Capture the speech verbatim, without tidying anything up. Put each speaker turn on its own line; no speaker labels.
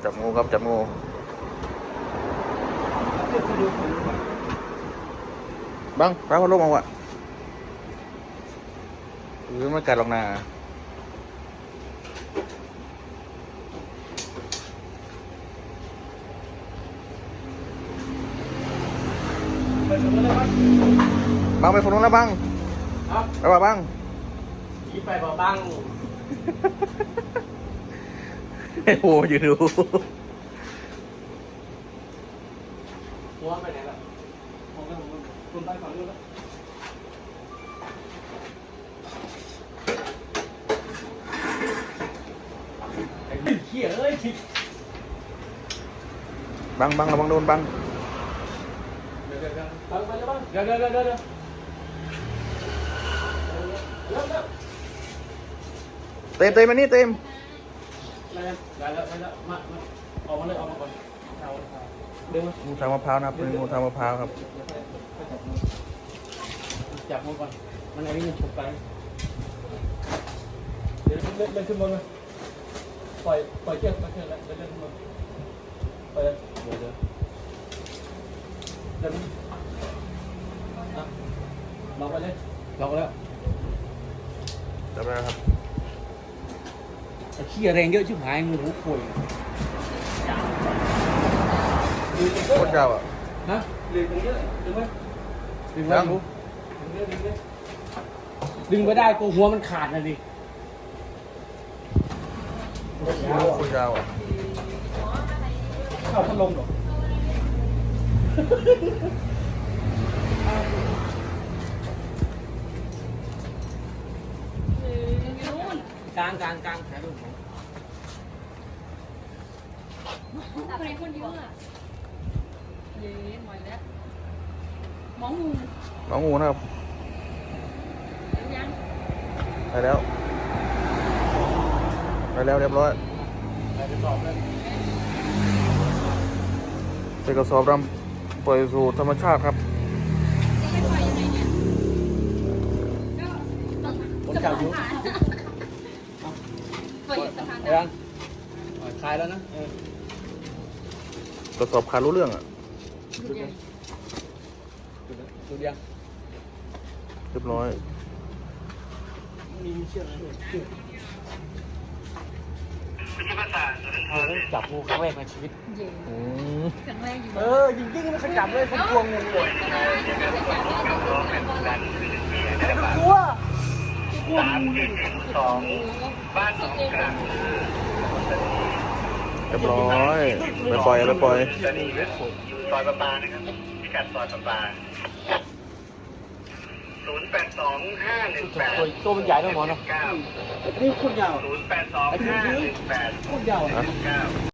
จับงูครับจับงูบังป้าพัดลมเอาวะหรือไม่กัดหรอกนะบังไปฝั่งนู้นแล้วบังไปว่าบัง
ขี่ไปบ่บัง
ไอ้โหอยู่ดู
หัวไปไหนล่ะผมก็ผมคุณไปฝั่งนู้นแล้วไอ้เหี้ยเอ้ย
บังบังระวังโดนบัง
เดี๋ยวเดี๋ยวเดี๋ยวบังไปเลยบังเดี๋ยวเดี๋ยวเดี๋ยวเดี๋ยวเดี๋ยว
เต็มเต็มมานี่เต็ม
ได้แล้วได้แล้วได้แล้วมามาออกมาเลยออกมาก่อนเอาเดินมา
งูทางมะพร้าวนะครับเป็นงูทางมะพร้าวครับ
จับมือก่อนมันไอ้นี่มันฉุกไปเดี๋ยวเล่นเล่นขึ้นบนมาปล่อยปล่อยเชือกปล่อยเชือกแล้วเล่นเล่นขึ้นบนไปเลยเดี๋ยวเดี๋ยวเดินอ่ะลองไปเลยลองแล้ว
จับได้ครับ
ไอ้ขี้แรงเยอะชิบหายมือหูป่วย
โคตรยาวอ่ะ
ฮะดึงเยอะดึงไหมดึงไหมหูดึงเยอะดึงเยอะดึงไม่ได้ตัวหัวมันขาดนะดิ
โคตรยาวอ่ะ
เข้าพัดลมหรอ กลางกลางกลางถ่ายรูปผม
ทำไมคนเยอะอ่ะเย้หมดแล้วหมองู
หมองูนะครับ
ยัง
ไปแล้วไปแล้วเรียบร้อย
ไปสอบเลย
ใส่กระสอบดำปล่อยสู่ธรรมชาติครับ
ไม่ปล่อยยังไงเนี่ยก็
ผมจับอยู่
ปล่อยสะพาน
ยังคลายแล้วนะ
กระสอบขาดรู้เรื่องอ่ะ
ดูยัง
เรียบร้อย
มีเชือกจับงูครั้งแรกในชีวิต
ครั้งแรกอยู่
เออจริงๆไม่เคยจับเลยคนกลัวงูเลยกลัว
สามเจ็ดสองบ้านหนองกลาง
เรียบร้อยไปปล่อยไปปล่อย
สนีเวสต์อยู่ซอยประปานะครับพิกัดซอยประปาศูนย์แปดสองห้าหนึ่งแปด
ตัวมันใหญ่ด้วยหมอเนาะ
เก้า
นี่คุณยาว
ศูนย์แปดสองห้าหนึ่งแปด
คุณยาว
เก้า